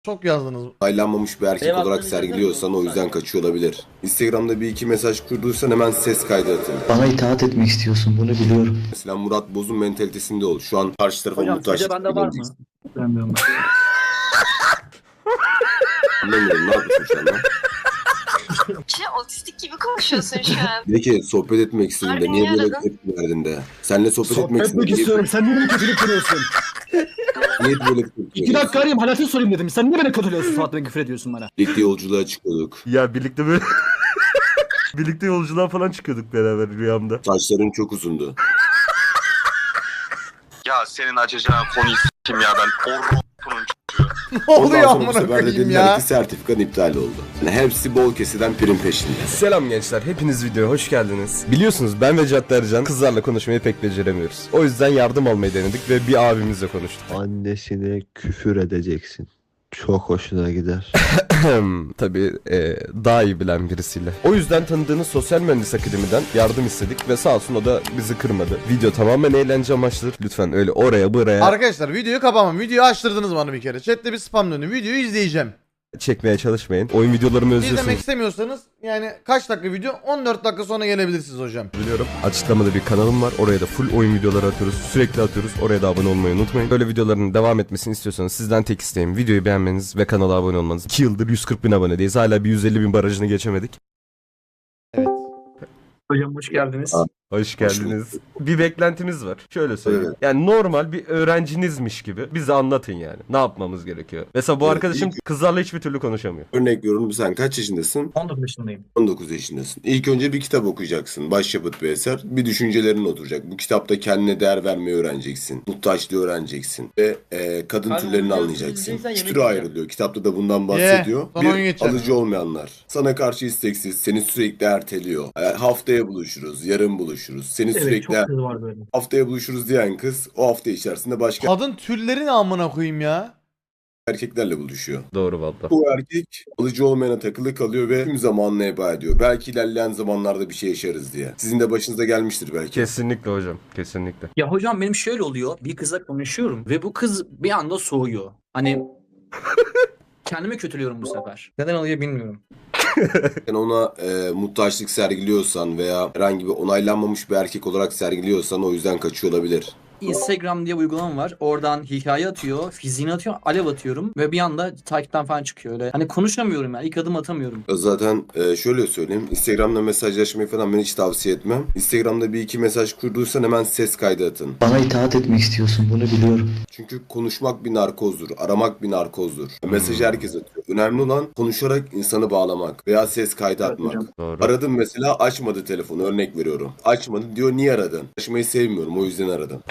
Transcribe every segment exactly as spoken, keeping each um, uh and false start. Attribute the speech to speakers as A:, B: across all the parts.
A: Çok yazdınız.
B: Aylanmamış bir erkek
C: Benim
B: olarak
C: aklımda
B: sergiliyorsan o yüzden kaçıyor olabilir. Instagram'da bir iki mesaj kurduysan hemen ses kaydı atın.
D: Bana itaat etmek istiyorsun, bunu biliyorum.
B: Mesela Murat Boz'un mentalitesinde ol. Şu an karşı tarafa
C: Hocam
B: muhtaç.
C: sizce bende var mı?
D: Bilmiyorum.
B: Anlamıyorum, ne yapıyorsun şu anda?
E: Şey, otistik gibi konuşuyorsun şu an.
B: Bir de ki sohbet etmek istediğinde
E: Harbi
B: niye
E: niye
B: böyle
E: aradın?
B: tepki verdin de. Seninle sohbet, etmek
F: Sohbet etmek
B: istediğinde
F: istiyorum. Sen niye beni kötülük kırıyorsun?
B: niye böyle tepki
F: İki dakika arayayım hayatını sorayım dedim. Sen niye beni kötülüyorsun Suat Bey, küfür ediyorsun bana?
B: Birlikte yolculuğa çıkıyorduk.
G: Ya birlikte böyle birlikte yolculuğa falan çıkıyorduk beraber rüyamda.
B: Saçların çok uzundu.
H: Ya senin açacağın konuyu s**kim ya ben. Orro'nun
A: Ne oluyor
B: Ondan sonra bu
A: amına
B: sefer de
A: koyayım
B: dediler
A: ya?
B: ki sertifikan iptal oldu. Yani hepsi bol kesiden prim peşinde.
G: Selam gençler, hepiniz videoya hoş geldiniz. Biliyorsunuz ben ve Cadde Ercan kızlarla konuşmayı pek beceremiyoruz. O yüzden yardım almayı denedik ve bir abimizle konuştuk.
I: Annesine küfür edeceksin. Çok hoşuna gider.
G: Tabii e, daha iyi bilen birisiyle. O yüzden tanıdığınız Sosyal Mühendis Akademi'den yardım istedik ve sağ olsun o da bizi kırmadı. Video tamamen eğlence amaçlıdır. Lütfen öyle oraya buraya
A: Arkadaşlar videoyu kapamam. Videoyu açtırdınız bana bir kere. Chat'te bir spam döndü. Videoyu izleyeceğim.
G: çekmeye çalışmayın. Oyun videolarımı
A: İzlemek
G: özlüyorsunuz
A: istemiyorsanız yani kaç dakika video? on dört dakika sonra gelebilirsiniz hocam.
G: biliyorum. Açıklamada bir kanalım var. Oraya da full oyun videoları atıyoruz. Sürekli atıyoruz. Oraya da abone olmayı unutmayın. Böyle videoların devam etmesini istiyorsanız sizden tek isteğim videoyu beğenmeniz ve kanala abone olmanız. iki yıldır yüz kırk bin abonedeyiz. Hala bir yüz elli bin barajını geçemedik.
A: Evet.
C: Hocam hoş geldiniz.
B: Aa.
G: Hoş geldiniz. Bir beklentimiz var. Şöyle söyleyeyim.
B: Evet.
G: Yani normal bir öğrencinizmiş gibi bize anlatın yani. Ne yapmamız gerekiyor? Mesela bu
B: Evet,
G: arkadaşım
B: ilk-
G: kızlarla hiçbir türlü konuşamıyor.
B: Örnek veriyorum, sen kaç yaşındasın?
C: on dokuz yaşındayım.
B: on dokuz yaşındasın. İlk önce bir kitap okuyacaksın. Başyapıt bir eser. Bir düşüncelerin oturacak. Bu kitapta kendine değer vermeyi öğreneceksin. Muhtaçlığı öğreneceksin. Ve e, kadın
C: Abi,
B: türlerini
C: bunu
B: anlayacaksın.
C: izleyeceksen
B: İki
C: yemek
B: türe
C: yiyeceğim.
B: ayrılıyor. Kitapta da bundan bahsediyor.
A: sana oyun
B: Bir,
A: geçeceğim.
B: alıcı olmayanlar. Sana karşı isteksiz. Seni sürekli erteliyor. E, haftaya buluşuruz. Yarın buluşuruz. Seni sürekli
C: çok kız var böyle.
B: haftaya buluşuruz diyen kız o hafta içerisinde başka
A: Kadın türleri ne amına koyayım ya?
B: erkeklerle buluşuyor.
G: Doğru valla.
B: Bu erkek alıcı olmayana takılı kalıyor ve tüm zamanını heba ediyor. Belki ilerleyen zamanlarda bir şey yaşarız diye. Sizin de başınıza gelmiştir belki.
G: Kesinlikle hocam. Kesinlikle.
C: Ya hocam benim şöyle oluyor. Bir kızla konuşuyorum ve bu kız bir anda soğuyor. Hani kendimi kötülüyorum bu sefer. Neden oluyor bilmiyorum.
B: Sen ona e, muhtaçlık sergiliyorsan veya herhangi bir onaylanmamış bir erkek olarak sergiliyorsan o yüzden kaçıyor olabilir.
C: Instagram diye bir uygulama var. Oradan hikaye atıyor, fiziğini atıyor, alev atıyorum ve bir anda takipten falan çıkıyor öyle. Hani konuşamıyorum ya, ilk adım atamıyorum.
B: Zaten e, şöyle söyleyeyim. Instagram'da mesajlaşmayı falan ben hiç tavsiye etmem. Instagram'da bir iki mesaj kurduysan hemen ses kaydı atın.
D: Bana itaat etmek istiyorsun, bunu biliyorum.
B: Çünkü konuşmak bir narkozdur. Aramak bir narkozdur. Mesajı herkes atıyor. Önemli olan konuşarak insanı bağlamak veya ses kaydı atmak.
G: Doğru.
B: Aradım mesela, açmadı telefonu, örnek veriyorum. Açmadı diyor, niye aradın? Açmayı sevmiyorum, o yüzden aradım.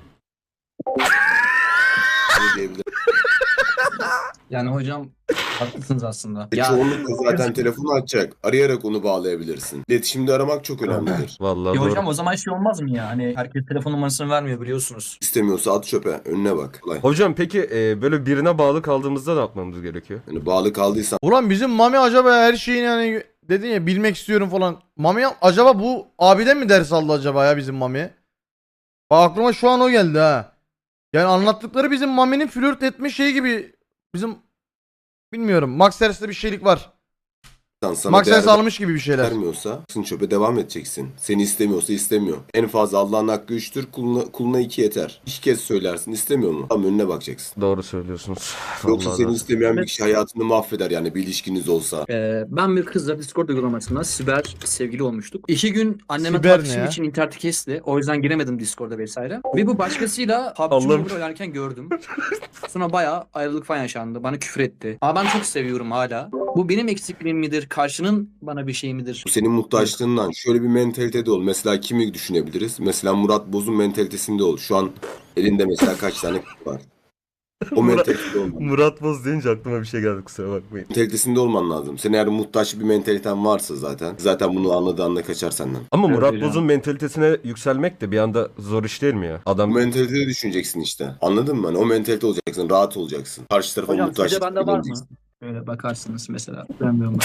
B: Ne diyebilirim?
C: Yani hocam haklısınız aslında.
B: E, Çoğunlukla zaten telefonu açacak. Arayarak onu bağlayabilirsin. İletişimde aramak çok önemlidir.
G: Vallahi
C: Ya
G: doğru.
C: hocam o zaman şey olmaz mı ya? Hani herkes telefon numarasını vermiyor biliyorsunuz.
B: İstemiyorsa at çöpe. Önüne bak. Kolay.
G: Hocam peki e, böyle birine bağlı kaldığımızda ne yapmamız gerekiyor?
B: Yani bağlı kaldıysan
A: Ulan bizim Mami acaba her şeyini hani dedin ya bilmek istiyorum falan. Mami acaba bu abiden mi ders aldı acaba ya bizim Mami? Bak aklıma şu an o geldi ha. Yani anlattıkları bizim Mami'nin flört etme şeyi gibi bizim bilmiyorum. Max Hers'te bir şeylik var.
B: sana
A: Max
B: değer
A: Hers almış gibi bir şeyler.
B: vermiyorsa sın çöpe devam edeceksin. Seni istemiyorsa istemiyor. En fazla Allah'ın hakkı üçtür. Kuluna, kuluna iki yeter. İki kez söylersin, istemiyor mu? Tam önüne bakacaksın.
G: Doğru söylüyorsunuz.
B: Yoksa
G: Vallahi
B: seni
G: doğru.
B: istemeyen bir kişi hayatını mahveder yani, bir ilişkiniz olsa.
C: Ee, ben bir kızla Discord uygulamasında siber sevgili olmuştuk. İki gün anneme
A: Siber ne
C: tartışım
A: ya?
C: için interneti kesti. O yüzden giremedim Discord'a vesaire. Ve bu başkasıyla P U B G
G: Allah'ım.
C: Mobile oynarken gördüm. Sonra bayağı ayrılık falan yaşandı. Bana küfür etti. Ama ben çok seviyorum hala. Bu benim eksikliğim midir? Karşının bana bir şey midir?
B: Bu senin muhtaçlığından. Şöyle bir mentalitede ol. Mesela kimi düşünebiliriz? Mesela Murat Boz'un mentalitesinde ol. Şu an elinde mesela kaç tane kız var. O
G: Murat-
B: mentalitede olman.
G: Murat Boz deyince aklıma bir şey geldi, kusura bakmayın.
B: Mentalitesinde olman lazım. Senin eğer muhtaç bir mentaliten varsa zaten. Zaten bunu anladığı anda kaçar senden.
G: Ama
C: Evet
G: Murat
C: hocam.
G: Boz'un mentalitesine yükselmek de bir anda zor iş değil mi ya?
B: O
G: Adam
B: mentalitede düşüneceksin işte. Anladın mı? Hani o mentalite olacaksın. Rahat olacaksın. Karşı tarafa
C: Hocam
B: muhtaç.
C: sizce bende var mı? Böyle bakarsınız mesela. Bilmiyorum.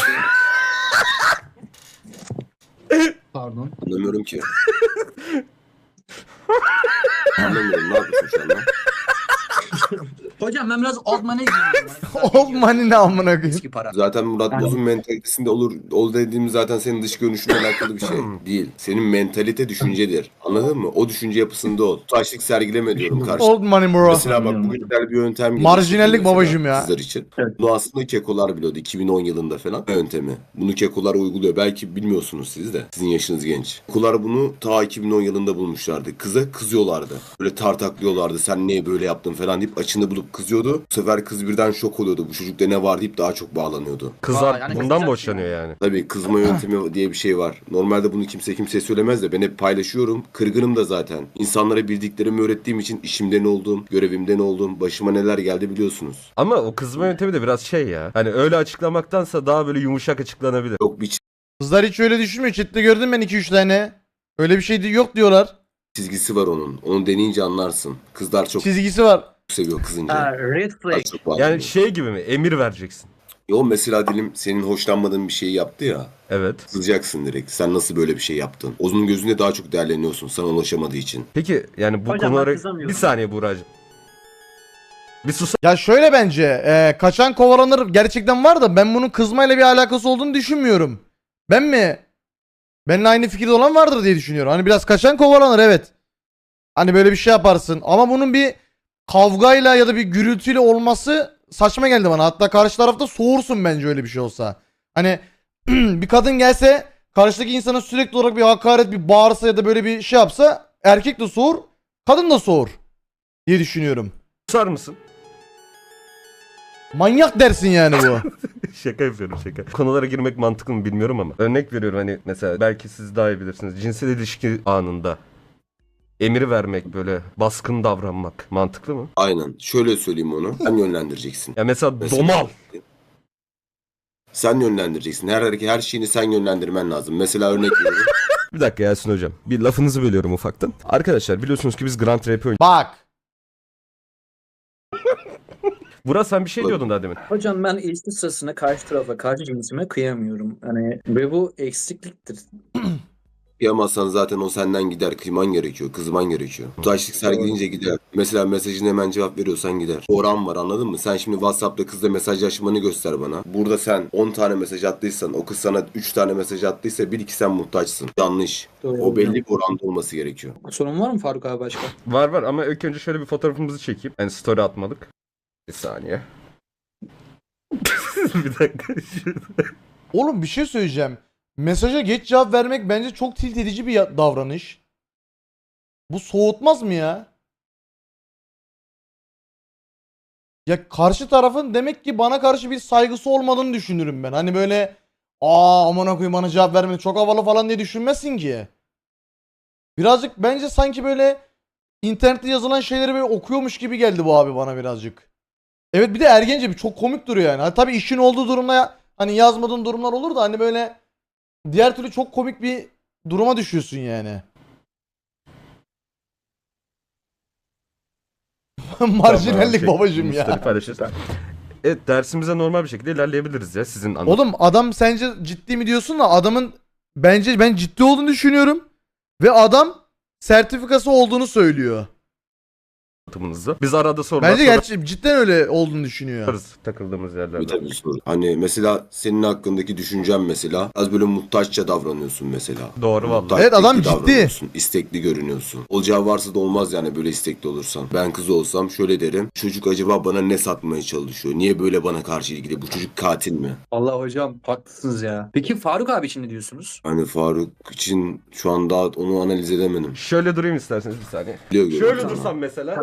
C: Pardon.
B: Anlamıyorum ki. Anlamıyorum. Ne yapıyorsun şu anda?
C: Hocam ben biraz old money giyiyorum.
A: Old money ne amına koyayım.
C: Eski para.
B: Zaten Murat
C: Yani-
B: Boz'un mentalitesinde olur. O dediğim zaten senin dış görünüşünle alakalı bir şey değil. Senin mentalite düşüncedir. Anladın mı? O düşünce yapısında ol. Taşlık sergileme diyorum karşı.
A: Old money bro.
B: Mesela bak bugün güzel bir yöntem geliştirdim
A: Marjinallik
B: mesela
A: babacım ya.
B: Kızlar için.
C: Evet.
B: Bunu aslında kekolar biliyordu iki bin on yılında falan yöntemi. Bunu kekolar uyguluyor. Belki bilmiyorsunuz siz de. Sizin yaşınız genç. Kekolar bunu ta iki bin on yılında bulmuşlardı. Kıza kızıyorlardı. Böyle tartaklıyorlardı. Sen niye böyle yaptın falan deyip açını bulup kızıyordu. Bu sefer kız birden şok oluyordu. Bu çocukta ne var deyip daha çok bağlanıyordu.
G: Kızlar
C: Aa, yani
G: bundan
C: kızacak
G: mı hoşlanıyor yani?
B: Tabii kızma yöntemi diye bir şey var. Normalde bunu kimse kimseye söylemez de ben hep paylaşıyorum. Kırgınım da zaten. İnsanlara bildiklerimi öğrettiğim için işimden oldum, görevimden oldum. Başıma neler geldi biliyorsunuz.
G: Ama o kızma yöntemi de biraz şey ya. Hani öyle açıklamaktansa daha böyle yumuşak açıklanabilir.
B: Yok bir
A: Kızlar hiç öyle düşünmüyor. Chat'te gördüm ben iki üç tane. Öyle bir şey yok diyorlar.
B: çizgisi var onun. Onu deneyince anlarsın. Kızlar çok
A: Çizgisi var.
B: seviyor kızınca.
C: Ha, red
B: Daha
C: flag.
B: çok bağlanıyor.
G: Yani şey gibi mi? Emir vereceksin.
B: Yo mesela dilim senin hoşlanmadığın bir şeyi yaptı ya.
G: Evet.
B: Kızacaksın direkt. Sen nasıl böyle bir şey yaptın? Onun gözünde daha çok değerleniyorsun sana ulaşamadığı için.
G: Peki yani bu
C: Hocam ben
G: konulara...
C: kızamıyorum.
G: Bir saniye Buğra'cığım. Bir sus.
A: Ya şöyle bence e, kaçan kovalanır gerçekten var da ben bunun kızmayla bir alakası olduğunu düşünmüyorum. Ben mi? Benimle aynı fikirde olan vardır diye düşünüyorum. Hani biraz kaçan kovalanır evet. Hani böyle bir şey yaparsın. Ama bunun bir kavgayla ya da bir gürültüyle olması saçma geldi bana. Hatta karşı tarafta soğursun bence öyle bir şey olsa. Hani bir kadın gelse karşıdaki insana sürekli olarak bir hakaret, bir bağırsa ya da böyle bir şey yapsa erkek de soğur, kadın da soğur diye düşünüyorum.
G: Susar mısın?
A: Manyak dersin yani bu.
G: Şaka yapıyorum şaka. Konulara girmek mantıklı mı bilmiyorum ama. Örnek veriyorum hani mesela belki siz daha iyi bilirsiniz. Cinsel ilişki anında emir vermek böyle baskın davranmak mantıklı mı?
B: Aynen. Şöyle söyleyeyim onu. Sen yönlendireceksin.
G: Ya mesela,
B: Mesela-
G: domal.
B: Sen yönlendireceksin. Her hareket, her şeyini sen yönlendirmen lazım. Mesela örnek veriyorum.
G: Bir dakika Yasin hocam. Bir lafınızı bölüyorum ufaktan. Arkadaşlar biliyorsunuz ki biz Grand Rap oynuyoruz.
A: Bak.
G: Burak sen bir şey diyordun daha demin.
C: Hocam ben ilişki sırasında karşı tarafa, karşı cinsime kıyamıyorum. Hani ve bu eksikliktir.
B: Kıyamazsan zaten o senden gider. Kıyman gerekiyor. Kızman gerekiyor. Taşlık sergileyince gider. Mesela mesajına hemen cevap veriyorsan gider. Oran var anladın mı? Sen şimdi WhatsApp'ta kızla mesajlaşmanı göster bana. Burada sen on tane mesaj attıysan o kız sana üç tane mesaj attıysa bir iki sen muhtaçsın. Yanlış.
C: Doğru.
B: O belli bir oranda olması gerekiyor.
C: Sorun var mı Faruk abi başka?
G: Var var ama ilk önce şöyle bir fotoğrafımızı çekeyim. Yani story atmadık. Bir saniye. Bir dakika.
A: Oğlum bir şey söyleyeceğim. Mesaja geç cevap vermek bence çok tilt edici bir ya- davranış. Bu soğutmaz mı ya? Ya karşı tarafın demek ki bana karşı bir saygısı olmadığını düşünürüm ben. Hani böyle aa amına koyayım bana cevap vermedi çok havalı falan diye düşünmezsin ki. Birazcık bence sanki böyle internette yazılan şeyleri böyle okuyormuş gibi geldi bu abi bana birazcık. Evet bir de ergence bir çok komik duruyor yani. Ha, tabii işin olduğu durumda ya- hani yazmadığın durumlar olur da hani böyle diğer türlü çok komik bir duruma düşüyorsun yani. Marjinallik
G: Tamam,
A: babacım
G: şey,
A: ya.
G: story paylaşırız. Evet dersimize normal bir şekilde ilerleyebiliriz ya sizin anlatım.
A: Oğlum adam sence ciddi mi diyorsun da adamın bence ben ciddi olduğunu düşünüyorum. Ve adam sertifikası olduğunu söylüyor.
G: anlatımınızda. Biz arada sorular
A: Bence gerçi cidden öyle olduğunu düşünüyor.
G: sorarız takıldığımız
B: Bir
G: yerlerde.
B: tabii soru. Hani mesela senin hakkındaki düşüncen mesela az böyle muhtaçça davranıyorsun mesela.
G: Doğru vallahi.
B: Muhtaç
A: Evet, adam
B: tekli
A: ciddi.
B: davranıyorsun, İstekli görünüyorsun. Olacağı varsa da olmaz yani böyle istekli olursan. Ben kız olsam şöyle derim. Çocuk acaba bana ne satmaya çalışıyor? Niye böyle bana karşı ilgili? Bu çocuk katil mi?
C: Allah hocam haklısınız ya. Peki Faruk abi için ne diyorsunuz?
B: Hani Faruk için şu an daha onu analiz edemedim.
G: Şöyle durayım isterseniz bir saniye.
B: Biliyor görüyorum
G: Şöyle
B: sana.
G: dursam mesela.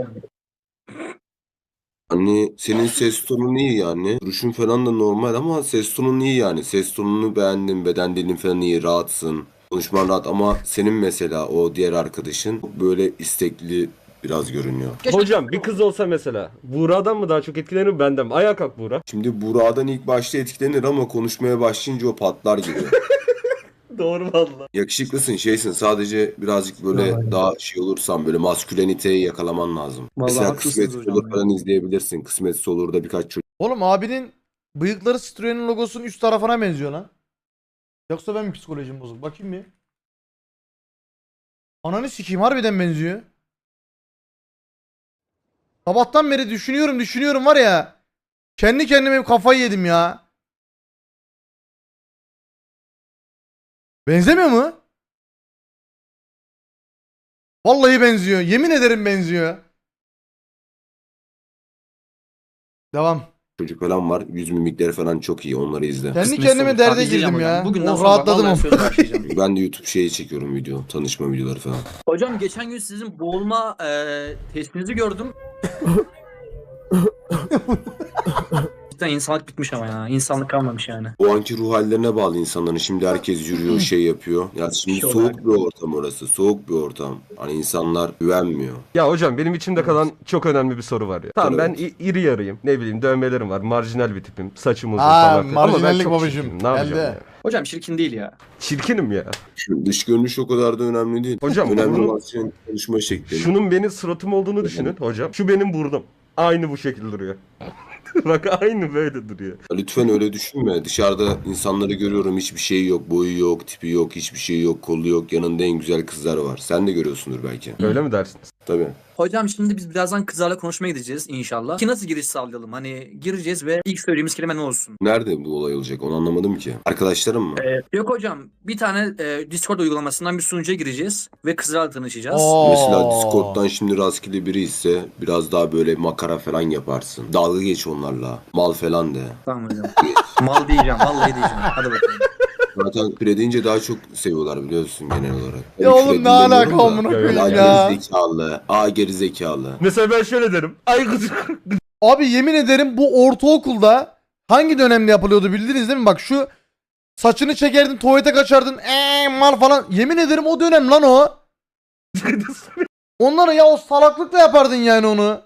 B: Hani senin ses tonun iyi yani. Duruşun falan da normal ama ses tonun iyi yani. Ses tonunu beğendim. Beden dilin falan iyi. Rahatsın. Konuşman rahat ama senin mesela o diğer arkadaşın böyle istekli biraz görünüyor.
G: Hocam bir kız olsa mesela. Buğra'dan mı daha çok etkilenir benden mi? Ayağa kalk Buğra.
B: Şimdi Burak'dan ilk başta etkilenir ama konuşmaya başlayınca o patlar gibi.
G: Doğru valla.
B: Yakışıklısın şeysin sadece birazcık böyle daha şey olursan böyle masküleniteyi yakalaman lazım.
C: Vallahi
B: Mesela
C: haklısınız
B: Kısmet
C: hocam
B: Olur
C: ya.
B: falan izleyebilirsin. Kısmet olur da birkaç çocuk
A: Oğlum abinin bıyıkları Citroen'in logosunun üst tarafına benziyor lan. Yoksa ben mi psikolojim bozuk? Bakayım bir. Ananı sikeyim harbiden benziyor. Sabahtan beri düşünüyorum düşünüyorum var ya. Kendi kendime kafayı yedim ya. Benzemiyor mu? Vallahi benziyor. Yemin ederim benziyor. Devam.
B: çocuk falan var. Yüz mimikleri falan çok iyi. Onları izle.
A: Kendi
C: Kısmetse
A: kendime
C: olur.
A: derde
C: Tabii izleyeceğim
A: girdim
C: hocam.
A: ya.
C: Bugünden
A: Oh,
C: sonra
A: rahatladım
C: vallahi
A: ama.
C: söz başlayacağım.
B: Ben de YouTube şeyi çekiyorum video. Tanışma videoları falan.
C: Hocam geçen gün sizin boğulma e, testinizi gördüm. Cidden insanlık bitmiş ama ya. İnsanlık kalmamış yani.
B: O anki ruh hallerine bağlı insanların. Şimdi herkes yürüyor, şey yapıyor. Ya şimdi
C: Şey
B: soğuk
C: olarak.
B: bir ortam orası. Soğuk bir ortam. Hani insanlar güvenmiyor.
G: Ya hocam benim içimde kalan çok önemli bir soru var ya. Tamam ben
B: Evet.
G: i- iri yarıyım. Ne bileyim dövmelerim var. Marjinal bir tipim. Saçım uzun
A: Aa,
G: falan. filan. Ama ben
A: marjinallik
G: çok
A: babacığım.
G: çirkinim. Ne yapacağım
A: Geldi.
G: ya?
C: Hocam çirkin değil ya.
G: Çirkinim ya.
B: Şimdi dış görünüş o kadar da önemli değil.
G: Hocam,
B: önemli
G: bunu-
B: olan senin konuşma şeklin.
G: Şunun benim suratım olduğunu düşünün hocam. Şu benim burnum. Aynı bu şekilde duruyor. Bak aynı böyle duruyor.
B: Lütfen öyle düşünme. Dışarıda insanları görüyorum. Hiçbir şey yok. Boyu yok, tipi yok, hiçbir şey yok, kolu yok. Yanında en güzel kızlar var. Sen de görüyorsundur belki.
G: Öyle mi dersiniz?
B: Tabii.
C: Hocam şimdi biz birazdan kızlarla konuşmaya gideceğiz inşallah. Ki nasıl giriş sağlayalım? Hani gireceğiz ve ilk söylediğimiz kelime ne olsun?
B: Nerede bu olay olacak? Onu anlamadım ki. Arkadaşlarım mı?
C: Ee, yok hocam bir tane e, Discord uygulamasından bir sunucuya gireceğiz ve kızlarla tanışacağız.
A: Oo.
B: Mesela Discord'dan şimdi rastgele biri ise biraz daha böyle makara falan yaparsın. Dalga geç onlarla. Mal falan de.
C: Tamam hocam. Mal diyeceğim vallahi diyeceğim. Hadi bakalım.
B: Zaten küre deyince daha çok seviyorlar biliyorsun genel olarak.
A: Ya
B: Hani
A: oğlum
B: küre
A: ne alaka
B: dinlemiyorum da.
A: amına
G: Ya,
A: koyayım
B: A
A: ya.
B: gerizekalı. A gerizekalı.
G: Mesela ben şöyle derim. Ay kız.
A: Abi yemin ederim bu ortaokulda hangi dönemde yapılıyordu bildiniz değil mi? Bak şu saçını çekerdin tuvalete kaçardın eee mal falan. Yemin ederim o dönem lan o. Onları ya o salaklıkla yapardın yani onu.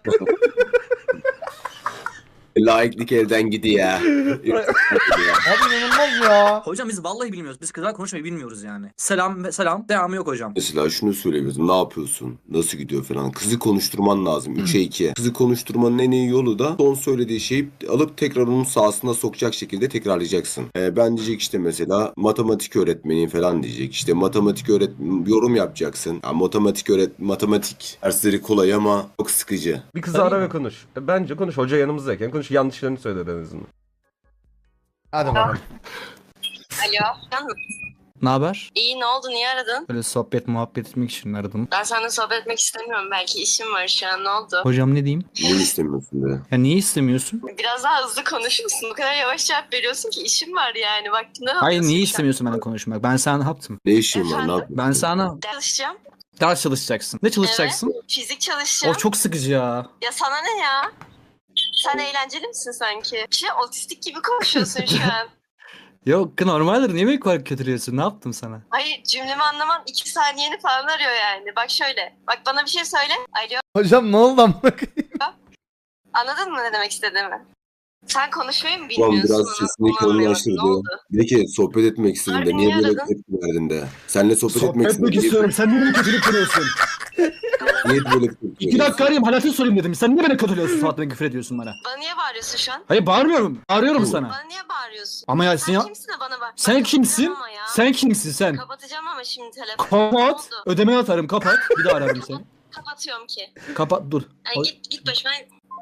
B: Laiklik elden gidiyor.
A: Abi inanılmaz ya.
C: Hocam biz vallahi bilmiyoruz. Biz kızlarla konuşmayı bilmiyoruz yani. Selam ve selam. Devamı yok hocam.
B: Mesela şunu söyleyebilirsin. Ne yapıyorsun? Nasıl gidiyor falan. Kızı konuşturman lazım. üçe iki. Kızı konuşturmanın en iyi yolu da son söylediği şeyi alıp tekrar onun sahasına sokacak şekilde tekrarlayacaksın. Ee, ben diyecek işte mesela matematik öğretmeniyim falan diyecek. İşte matematik öğret yorum yapacaksın. Ya, matematik öğret matematik dersleri kolay ama çok sıkıcı.
G: Bir kızı
C: Tabii
G: ara
C: mi?
G: ve konuş. E, Bence konuş. Hoca yanımızdayken konuş. Yanlışlarını söyle en azından.
A: Hadi bakalım.
E: Alo. Can mı?
F: Ne haber?
E: İyi ne oldu niye aradın?
F: Böyle sohbet muhabbet etmek için aradım.
E: Ben seninle sohbet etmek istemiyorum. Belki işim var şu an ne oldu?
F: Hocam ne diyeyim?
B: Niye istemiyorsun be?
F: Ya niye istemiyorsun?
E: Biraz daha hızlı konuşur musun? Bu kadar yavaş cevap veriyorsun ki işim var yani. Vaktinde ne
F: Hayır
E: yapıyorsun
F: niye
E: sen?
F: istemiyorsun benimle konuşmak? Ben sana ne yaptım?
B: Ne işin var? Ne
E: Efendim?
B: yapıyorsun?
F: Ben sana
E: Ders çalışacağım.
F: ders çalışacaksın. Ne çalışacaksın?
E: Fizik çalışacağım.
F: O çok sıkıcı ya.
E: Ya sana ne ya? Sen eğlenceli misin sanki? Şey otistik gibi konuşuyorsun şu an.
F: Yok normaldir. Niye beni bu kadar kötülüyorsun? Ne yaptım sana?
E: Hayır cümlemi anlaman iki saniyeni falan arıyor yani. Bak şöyle. Bak bana bir şey söyle. Alo.
A: Hocam ne oldu amına koyayım?
E: Anladın mı ne demek istediğimi? Sen konuşmayı mı
B: Ulan
E: bilmiyorsun?
B: biraz
E: Onu-
B: sesini
E: onu anlayamadım.
B: kalınlaştırdı.
E: Ne oldu?
B: De ki sohbet etmek istedin
E: Harbi
B: de niye
E: niye
B: böyle
E: aradın?
B: tepki verdin de. Seninle sohbet, etmek
F: Sohbet
B: istedin.
F: etmek
B: Niye,
F: istiyorum. Sen niye beni kötülük kırıyorsun?
B: niye böyle tepki
F: İki
B: veriyorsun?
F: dakika arayayım halatını sorayım dedim. Sen niye beni kötülüyorsun? Suat'la küfür ediyorsun bana.
E: Bana niye bağırıyorsun şu an?
F: Hayır bağırmıyorum. Bağırıyorum
B: Hı.
F: sana.
E: Bana niye bağırıyorsun?
F: Ama ya
E: Sen
F: sen ya...
E: kimsin de bana bağır?
F: Sen
E: Bak,
F: kimsin?
E: kapatacağım ama ya.
F: Sen kimsin sen?
E: Kapatacağım ama şimdi telefonu. Ne
F: Kapat.
E: oldu?
F: Ödemeni atarım kapat. Bir daha ararım seni.
E: Kapatıyorum ki.
F: Kapat dur.
E: Yani git git başıma.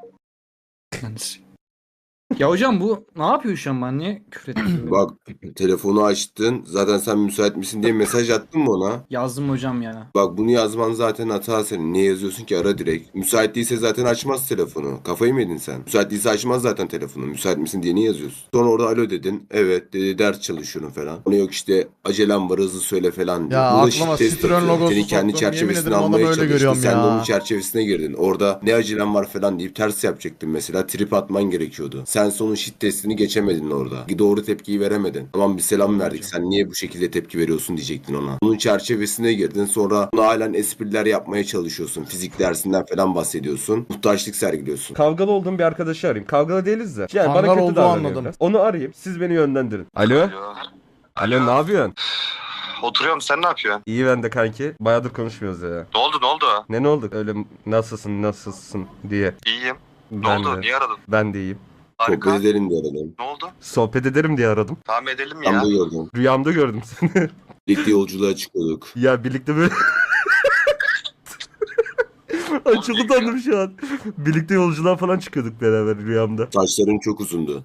F: Ya hocam bu ne yapıyor şu an ben niye küfür ettim?
B: Bak telefonu açtın. Zaten sen müsait misin diye mesaj attın mı ona?
F: Yazdım hocam ya.
B: Bak bunu yazman zaten hata senin. Niye yazıyorsun ki ara direkt. Müsait değilse zaten açmaz telefonu. Kafayı mı yedin sen? Müsait değilse açmaz zaten telefonu. Müsait misin diye niye yazıyorsun? Sonra orada alo dedin. Evet dedi ders çalışıyorum falan. Ona yok işte acelem var hızlı söyle falan diyor.
A: Ya
B: Burada
A: aklıma
B: shift test
A: Citroen
B: atıyor.
A: logosu
B: Seni kendi
A: soktum. Yemin
B: çerçevesine
A: ederim adamı
B: almaya
A: öyle
B: çalıştı.
A: görüyorum
B: Sen de
A: ya.
B: onun çerçevesine girdin. Orada ne acelem var falan deyip ters yapacaktın mesela. Trip atman gerekiyordu. Sen sonun shit testini geçemedin orada. Doğru tepkiyi veremedin. Tamam bir selam verdik. Sen niye bu şekilde tepki veriyorsun diyecektin ona. Onun çerçevesine girdin. Sonra ona halen espriler yapmaya çalışıyorsun. Fizik dersinden falan bahsediyorsun. Muhtaçlık sergiliyorsun.
G: Kavgalı olduğum bir arkadaşı arayayım. Kavgalı değiliz de. Yani
A: Kangal
G: bana kötü
A: olduğu
G: davranıyor
A: anladım.
G: biraz. Onu arayayım. Siz beni yönlendirin. Alo?
H: Alo.
G: Alo ne yapıyorsun?
H: Oturuyorum, sen ne yapıyorsun?
G: İyi ben de kanki. Bayağıdır konuşmuyoruz ya.
H: Ne oldu ne oldu?
G: Ne ne oldu? Öyle nasılsın nasılsın diye.
H: İyiyim. Ne
G: Ben
H: oldu?
G: de.
H: Niye aradın?
G: Ben de iyiyim.
H: Harika.
B: Sohbet edelim diye aradım.
H: Ne oldu?
G: Sohbet ederim diye aradım.
H: Tamam edelim
B: Ben
H: ya.
B: de gördüm.
G: Rüyamda gördüm seni.
B: Birlikte yolculuğa çıkıyorduk.
G: Ya birlikte böyle Ay çok utandım şu an. Birlikte yolculuğa falan çıkıyorduk beraber rüyamda.
B: Saçların çok uzundu.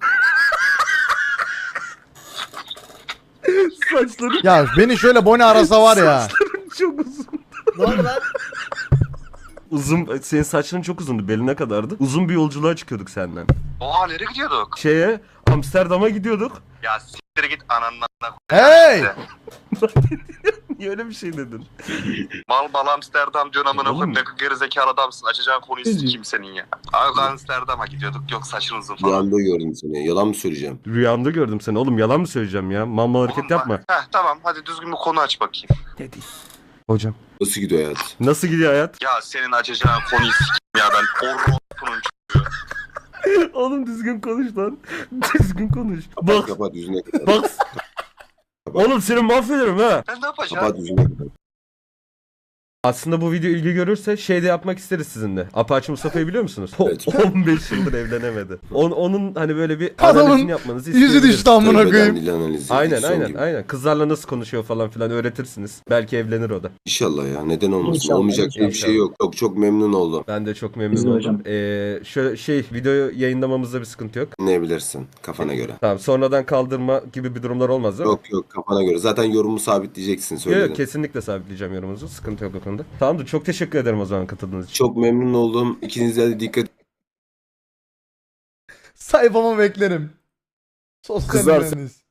G: Saçları
A: Ya beni şöyle Bonnie arasa var ya.
G: çok uzun.
A: Ne oldu lan?
G: Uzun, senin saçların çok uzundu, beline kadardı. Uzun bir yolculuğa çıkıyorduk senden.
H: Oha nereye gidiyorduk?
G: Şeye, Amsterdam'a gidiyorduk.
H: Ya siktir git ananla.
A: Hey!
G: Niye öyle bir şey dedin?
H: Mal mal Amsterdam diyorsun amına
G: Oğlum.
H: koyayım. Ne gerizekalı adamsın. Açacağın konuyu sikeyim senin ya. Abi Amsterdam'a gidiyorduk. Yok saçın uzun falan.
B: Rüyamda gördüm seni. Yalan mı söyleyeceğim?
G: Rüyamda gördüm seni. Oğlum yalan mı söyleyeceğim ya? Mamma hareket
H: Oğlum,
G: yapma.
H: Heh tamam hadi düzgün bir konu aç bakayım.
G: Ne diyeyim? Hocam.
B: Nasıl gidiyor hayat?
G: Nasıl gidiyor hayat?
H: Ya senin açacağın konuyu sikeyim ya ben. Orropunun
G: Oğlum düzgün konuş lan. Düzgün konuş.
B: Kapat
G: Bak.
B: kapat yüzüne kapat.
G: Bak. Oğlum seni mahvederim ha.
H: Ben ne yapacağım?
B: Kapat yüzüne kapat.
G: Aslında bu video ilgi görürse şey de yapmak isteriz sizinle. Apache Mustafa'yı biliyor musunuz?
B: Evet.
G: on beş yıldır evlenemedi. On, onun hani böyle bir
A: Adamın
G: analizini yapmanızı
A: Yüzü
G: isteyebiliriz.
A: düştü amına
B: Tabii
A: koyayım.
B: beden dili analizi.
G: Aynen
B: son
G: aynen
B: gibi.
G: aynen. Kızlarla nasıl konuşuyor falan filan öğretirsiniz. Belki evlenir o da.
B: İnşallah ya. Neden olmasın?
F: İnşallah,
B: Olmayacak diye bir
G: inşallah.
B: şey yok. Çok çok memnun oldum.
G: Ben de çok memnun
F: Bizim
G: oldum.
F: hocam.
G: Ee, şöyle şey videoyu yayınlamamızda bir sıkıntı yok.
B: Ne bilirsin kafana göre.
G: Tamam sonradan kaldırma gibi bir durumlar olmaz değil mi?
B: Yok yok kafana göre. Zaten yorumu sabitleyeceksin
G: Yok
B: söyledim.
G: yok kesinlikle sabitleyeceğim yorumunuzu. Sıkıntı yok o konuda. Tamamdır çok teşekkür ederim o zaman katıldığınız için.
B: Çok memnun oldum. İkinize de dikkat
A: Sayfama beklerim. Sosyal
G: Kızarsın.
A: mühendis.